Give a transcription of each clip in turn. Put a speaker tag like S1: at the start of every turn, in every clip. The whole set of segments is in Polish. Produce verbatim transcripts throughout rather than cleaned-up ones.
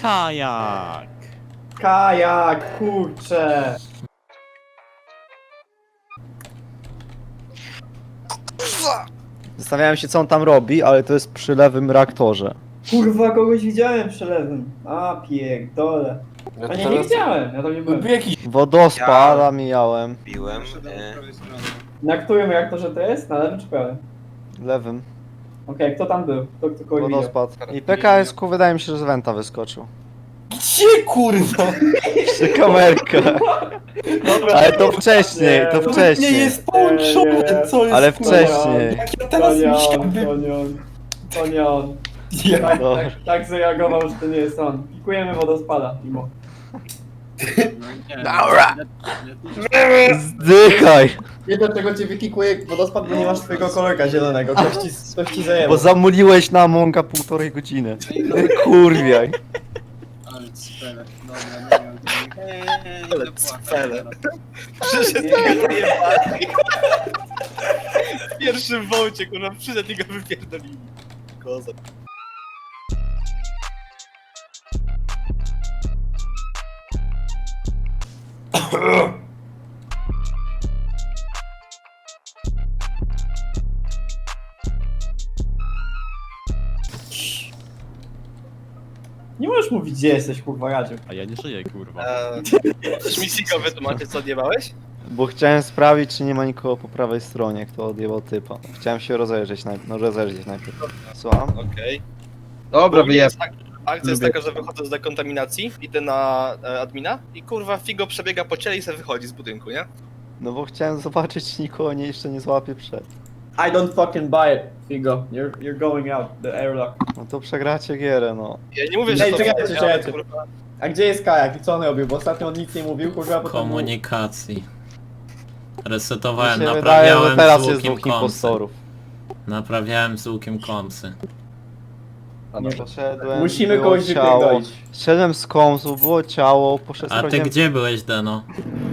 S1: Kajak!
S2: Kajak, kurczę!
S3: Zastanawiałem się, co on tam robi, ale to jest przy lewym reaktorze.
S2: Kurwa, kogoś widziałem przelewem. A pierdole.
S4: Ja
S2: A nie, nie widziałem, ja tam nie byłem.
S4: Był jakiś...
S3: Wodospad mijałem.
S5: Piłem. E,
S2: Na którym reaktorze to jest? Na lewym czy prawym?
S3: Lewym.
S2: Okej, kto tam był? Kto, kto kogoś widział?
S3: Wodospad. I P K S-ku wydaje mi się, że z Wenta wyskoczył.
S4: Gdzie kurwa?
S3: Przy kamerkę.
S2: Dobra,
S3: Ale to wcześniej, to
S2: Nie,
S4: Nie
S3: wcześniej.
S4: jest połączony,
S2: Nie, nie,
S4: co jest
S3: Ale
S4: kurwa?
S3: wcześniej.
S4: Jak ja
S2: to
S4: teraz
S2: nie
S4: mi się
S2: on,
S4: by...
S2: to nie on. To nie on.
S4: Ja...
S2: Tak,
S3: Dobra.
S2: tak, tak zareagował, że to nie jest on. Pikujemy wodospada, mimo.
S3: Dobra. Zdychaj!
S2: Nie dlaczego cię wykikuje wodospad, bo nie masz twojego kolorka zielonego. Ktoś ci, ktoś ci zajęło.
S3: Bo zamuliłeś na Amonga półtorej godziny. Kurwiaj.
S6: Ale cfele, dobra, nie wiem.
S5: Ale cfele.
S2: Przyszedł
S5: W pierwszym wołcie, kurwa, przyszedł i go wypierdolili. Kozak.
S2: Nie możesz mówić, gdzie jesteś, kurwa, Radziu.
S1: A ja nie żyję, kurwa.
S5: Coś mi Siko wytłumaczy, co odjebałeś?
S3: Bo chciałem sprawdzić, czy nie ma nikogo po prawej stronie, kto odjebał typa. Chciałem się rozejrzeć najpierw, no rozejrzeć najpierw. Słucham?
S5: Okej.
S4: Dobra,
S5: Okay. Jest tak, akcja jest taka, że wychodzę z dekontaminacji, idę na e, admina i kurwa Figo przebiega po ciele i se wychodzi z budynku, nie?
S3: No bo chciałem zobaczyć, czy nikogo nie, jeszcze nie złapie przed.
S2: I don't fucking buy it, Figo. You're, you're going out, the airlock.
S3: No to przegracie gierę, no.
S5: Ja nie mówię, że
S2: Ej,
S5: to
S2: czekajcie,
S5: ale,
S2: czekajcie.
S5: kurwa,
S2: A gdzie jest Kajak i co on robił? Bo ostatnio on nic nie mówił, kurwa, potem...
S7: Komunikacji.
S3: Mi
S7: Resetowałem,
S3: się wydaje,
S7: naprawiałem
S3: że teraz
S7: z
S3: jest
S7: łukiem
S3: dwóch
S7: kąsy.
S3: impostorów.
S7: Naprawiałem z łukiem kąsy.
S2: Nie.
S3: Poszedłem,
S2: Musimy
S3: było
S2: kogoś
S3: ciało.
S2: wypierdolić.
S3: Szedłem z kąsu, było ciało, poszedłem...
S7: A ty
S3: sprawdziłem-
S7: gdzie byłeś, Deno?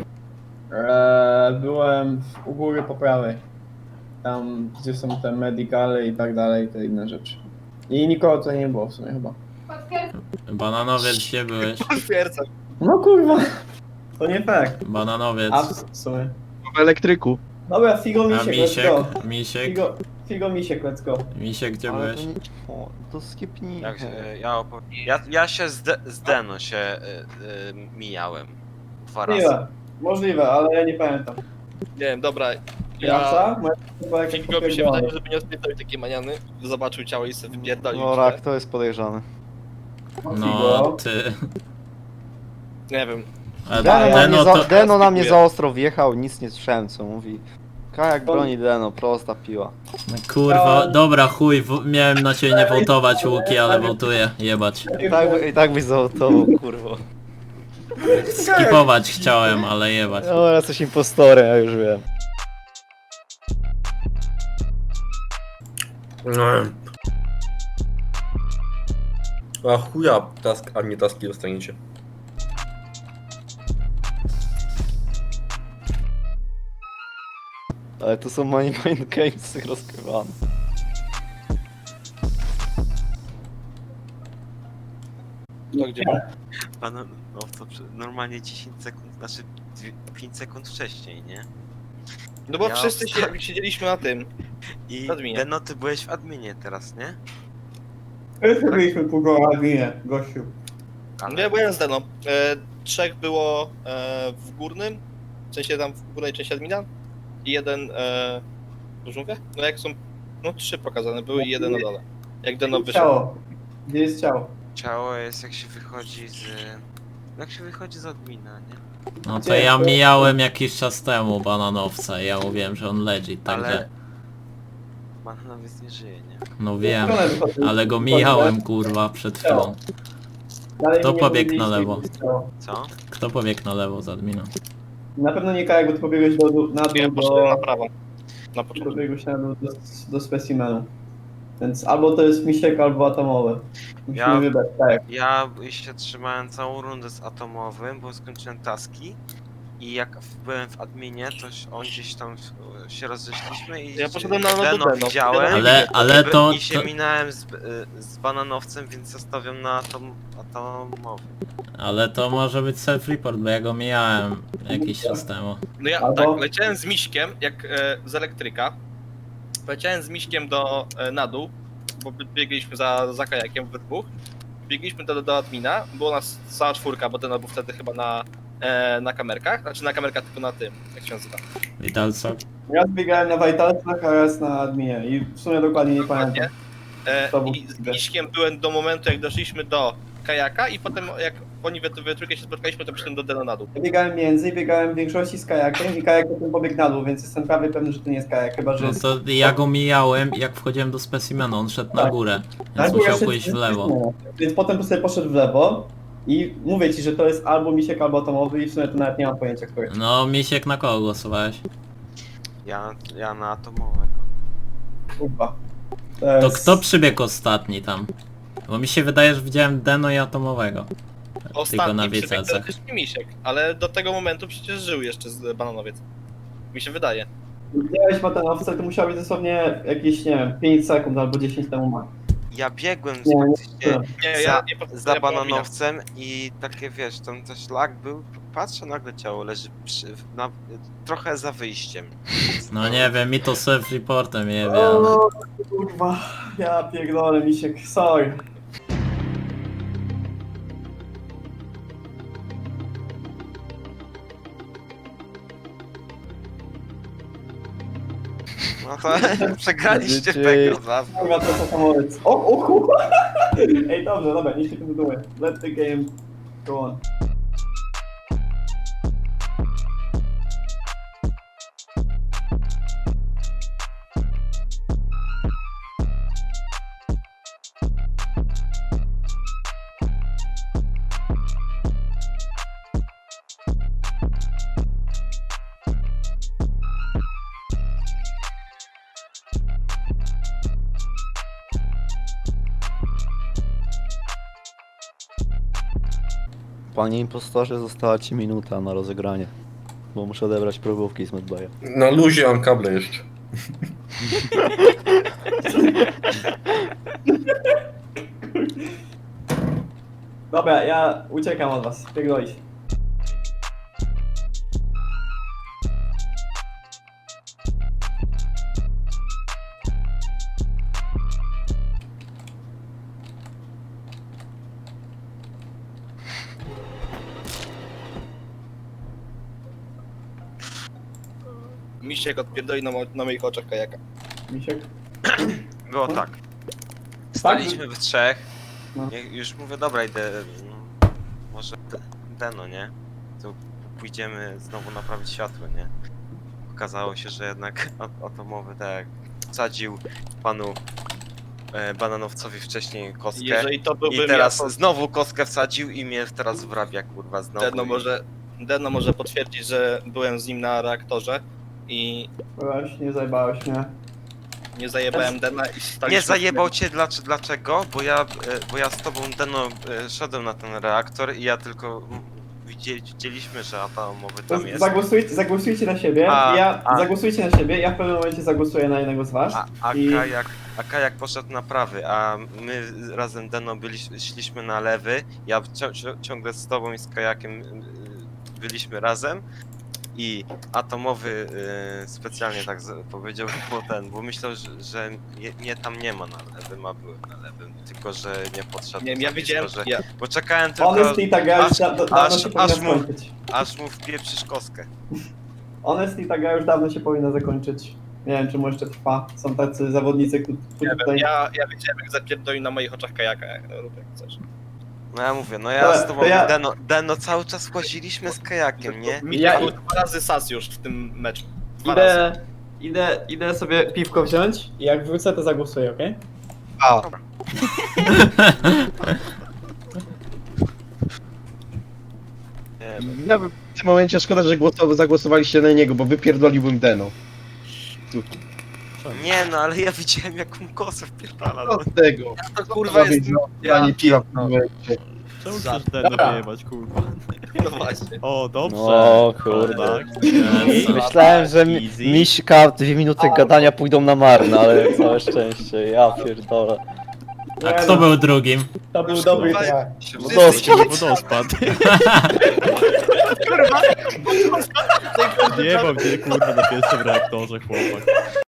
S2: Eee, byłem u góry po prawej. Tam, gdzie są te medicale i tak dalej, te inne rzeczy. I nikogo tutaj nie było w sumie chyba.
S7: Bananowiec, gdzie byłeś?
S5: potwierdzam.
S2: No kurwa. To nie fair.
S7: Bananowiec.
S2: A w sumie.
S4: W elektryku.
S2: Dobra, Figo
S7: A
S2: Misiek, let's go.
S7: Misiek? Misiek?
S2: Figo, Figo Misiek, let's go.
S7: Misiek, gdzie
S3: Ale
S7: byłeś?
S3: to nie... O, to skipnij.
S5: Jak, e, ja, opo- ja, ja się z, De z Deno się e, e, mijałem. Dwa razy.
S2: Możliwe, możliwe, ale ja nie pamiętam.
S5: Nie wiem, dobra.
S2: Jasa?
S5: Ja...
S2: Moja chyba jakieś
S5: Figo mi się
S2: popierdolone.
S5: wydaje, żeby nie odpierdolił takie maniany. Zobaczył ciało i sobie wypierdolił.
S3: Dobra, kto jest podejrzany?
S7: No,
S2: Figo.
S7: ty.
S5: Nie wiem.
S7: A
S3: Deno, na,
S7: Deno
S3: mnie za,
S7: to...
S3: Deno na mnie
S5: skipuję.
S3: za ostro wjechał, nic nie słyszałem co mówi. Kajak broni Deno, prosta piła.
S7: Kurwa, dobra chuj, w... miałem na ciebie nie wołtować łuki, ale wołtuję, jebać.
S3: I tak, by- i tak byś zaautował, kurwa.
S7: Skipować chciałem, ale jebać.
S3: Dobra, jesteś impostorem, ja już wiem.
S8: A chuja, task, a nie taski dostaniecie.
S3: Ale to są money mind games rozgrywane.
S5: To gdzie?
S9: A no, no to przy- normalnie dziesięć sekund, znaczy dwie- pięć sekund wcześniej, nie?
S5: No bo
S9: Ja
S5: wszyscy
S9: wsta-
S5: się, siedzieliśmy na tym.
S9: I
S5: W adminie.
S9: Deno, ty byłeś w adminie teraz, nie?
S2: Wszyscy byliśmy pół goła adminie, gościu.
S9: Ale
S5: No ja byłem z Deno. E, trzech było e, w górnym, w sensie tam w górnej części admina i jeden e, w żółwie? No jak są, no trzy pokazane były i jeden na dole. Jak Deno wyszedł.
S2: Ciało. Gdzie jest ciało?
S9: ciało jest jak się wychodzi z... Jak się wychodzi z admina, nie?
S7: No to
S2: Gdzie?
S7: ja mijałem jakiś czas temu bananowca i ja mówiłem, że on legit, także...
S9: Ale... Bananowiec nie żyje, nie?
S7: No wiem,
S2: Stronę wychodzi.
S7: ale go mijałem kurwa przed chwilą.
S2: Dalej
S7: Kto
S2: mi nie
S7: pobiegł na
S2: powiedzieliście,
S7: lewo?
S2: gdzie jest ciało.
S9: Co?
S7: Kto pobiegł na lewo z admina?
S2: Na pewno nie Kajak, bo ty pobiegłeś do, do, na
S5: Ja
S2: dół
S5: poszedłem na
S2: do...
S5: prawo. Na początku.
S2: Pobiegłeś na dół do, do specimenu. Więc albo to jest Misiek, albo atomowe. Musimy
S9: Ja-
S2: wybrać, tak.
S9: Ja się trzymałem całą rundę z atomowym, bo skończyłem taski i jak byłem w adminie, to on gdzieś tam e, się rozeszliśmy i
S5: Ja poszedłem na
S9: Deno
S5: Deno,
S9: widziałem.
S7: Ale, ale
S9: i,
S7: to,
S9: I się
S7: to...
S9: minąłem z, e, z bananowcem, więc zostawiam na atom, atomowy.
S7: Ale to może być self-report, bo ja go mijałem jakiś czas temu.
S5: No ja
S2: Albo-
S5: tak, leciałem z Miśkiem, jak e, z elektryka. Leciałem z Miśkiem do, e, na dół, bo bie- biegliśmy za, za kajakiem we dwóch. Biegliśmy do, do admina, było nas cała czwórka, bo ten był wtedy chyba na, e, na kamerkach, znaczy na kamerkach tylko na tym, jak się nazywa.
S7: Witalco.
S2: Ja zbiegałem na Vitalsach, a raz na adminie i w sumie dokładnie nie pamiętam.
S5: E,
S2: To był
S5: I z Miśkiem byłem do momentu, jak doszliśmy do kajaka i potem jak oni we, we trójkę się spotkaliśmy, to przyszedłem do Deno na dół.
S2: Ja biegałem między i biegałem w większości z kajakiem i kajak potem pobiegł na dół, więc jestem prawie pewny, że to nie jest kajak, chyba że
S7: No
S2: jest...
S7: to ja go mijałem, jak wchodziłem do specimenu, on szedł na
S2: Tak.
S7: górę,
S2: Tak,
S7: więc
S2: bo
S7: musiał
S2: jeszcze-
S7: pójść w lewo.
S2: Więc potem sobie poszedł w lewo i mówię ci, że to jest albo Misiek, albo Atomowy i w sumie to nawet nie mam pojęcia, który.
S7: No, Misiek, na kogo głosowałeś?
S9: Ja, ja na atomowego.
S2: Kurwa.
S7: To
S2: jest-
S7: kto przybiegł ostatni tam? Bo mi się wydaje, że widziałem Deno i Atomowego. Tylko na
S5: Ostatni przebieg
S7: wiecacach.
S5: też Misiek, ale do tego momentu przecież żył jeszcze z Bananowiec. Mi się wydaje.
S2: Widziałeś Batanowca, to musiał być dosłownie jakieś, nie wiem, pięć sekund albo dziesięć temu ma.
S9: Ja biegłem
S2: Nie, nie,
S9: faktycznie
S5: Nie,
S9: za,
S5: ja nie potrafię
S9: za
S5: pominąć.
S9: bananowcem i takie wiesz, tam też lag był, patrzę nagle ciało leży przy, na, trochę za wyjściem.
S7: No nie wiem, mi to self-reportem jebie, ale...
S2: O, kurwa, ja pierdolę, Misiek, sorry.
S9: No to przegraliście
S3: Dzieci.
S9: tego za
S2: Kurwa, to co samolec. O, o kurwa! Ej, dobrze, dobra, niech się kontynuuje. Let the game go on.
S3: Panie impostorze, została ci minuta na rozegranie. Bo muszę odebrać próbówki z Medbaya.
S8: Na luzie mam kable jeszcze.
S2: Dobra, ja uciekam od was, pierdolić.
S5: Misiek odpierdoli na, mo- na moich oczach kajaka.
S2: Misiek?
S9: Było tak. Staliśmy w trzech.
S2: No.
S9: Ja już mówię, dobra, idę. No, może D- Deno, nie? To pójdziemy znowu naprawić światło, nie? Okazało się, że jednak a- atomowy tak jak wsadził panu e, bananowcowi wcześniej kostkę.
S5: Jeżeli to byłbym
S9: I teraz
S5: ja, to
S9: znowu kostkę wsadził i mnie teraz wrabia, kurwa, znowu.
S5: Deno
S9: i-
S5: może, Deno może potwierdzić, że byłem z nim na reaktorze i
S2: Weź, nie zajebałeś mnie.
S5: nie zajebałem Dena i staliśmy...
S9: Nie zajebał cię dlac- dlaczego? Bo ja, e, bo ja z tobą Deno e, szedłem na ten reaktor i ja tylko mm, widzieli, widzieliśmy, że atomowy
S2: To
S9: tam jest.
S2: zagłosujcie, zagłosujcie na siebie,
S9: A,
S2: ja,
S9: a.
S2: zagłosujcie na siebie, ja w pewnym momencie zagłosuję na jednego z was.
S9: A, a,
S2: I-
S9: kajak, a kajak poszedł na prawy, a my razem Deno byli, szliśmy na lewy. Ja cio- cio- ciągle z tobą i z kajakiem y, byliśmy razem. I atomowy y, specjalnie tak z- powiedział, bo ten, bo myślał, że, że mnie, mnie tam nie ma na lewym, a byłem na lewym, tylko że nie podszedł.
S5: Nie wiem, ja
S9: za
S5: widziałem,
S9: blisko, że,
S5: ja,
S9: bo czekałem tylko,
S2: Honestly, ta gra już
S9: aż-
S2: da, da, dawno
S9: aż-
S2: się powinna
S9: aż mu-
S2: skończyć.
S9: aż mu wpieprzysz kostkę.
S2: Honestly, ta gra już dawno się powinna zakończyć. Nie wiem, czemu jeszcze trwa. Są tacy zawodnicy, którzy
S5: nie wiem,
S2: tutaj...
S5: ja, ja wiedziałem, jak zapierdoli na moich oczach kajaka, jak, rób jak chcesz.
S9: No ja mówię, no ja
S2: Dobra,
S9: z tobą
S2: to ja-
S9: Deno, Deno cały czas łaziliśmy z kajakiem, nie?
S5: Mi
S2: Ja-
S5: ja... dwa razy sas już w tym meczu. Dwa razy.
S2: Idę, idę, idę sobie piwko wziąć i jak wrócę, to zagłosuję, okej?
S4: A,
S9: Nie, no.
S4: ja bym w tym momencie szkoda, że głosow- zagłosowaliście na niego, bo wypierdoliłbym Deno.
S9: Nie no, ale ja widziałem jaką kosę wpierdala. No.
S4: Co z tego?
S5: To kurwa jest...
S4: Ja nie piwa w tym momencie.
S1: Czemu
S5: Za-
S1: chcesz Deno
S2: Dobra.
S1: wyjebać, kurwa?
S5: No właśnie.
S1: O, dobrze.
S3: O kurde.
S1: Tak.
S7: Jezu.
S3: Myślałem, że mi,
S1: Easy.
S3: Miśka dwie minuty gadania pójdą na marne, ale całe szczęście, ja pierdolę.
S7: A kto był drugim?
S2: To był dobry
S5: Kurwa,
S2: trak.
S3: Wodospad.
S1: Wodospad. Jebał mnie, kurwa, na pierwszym reaktorze, chłopak.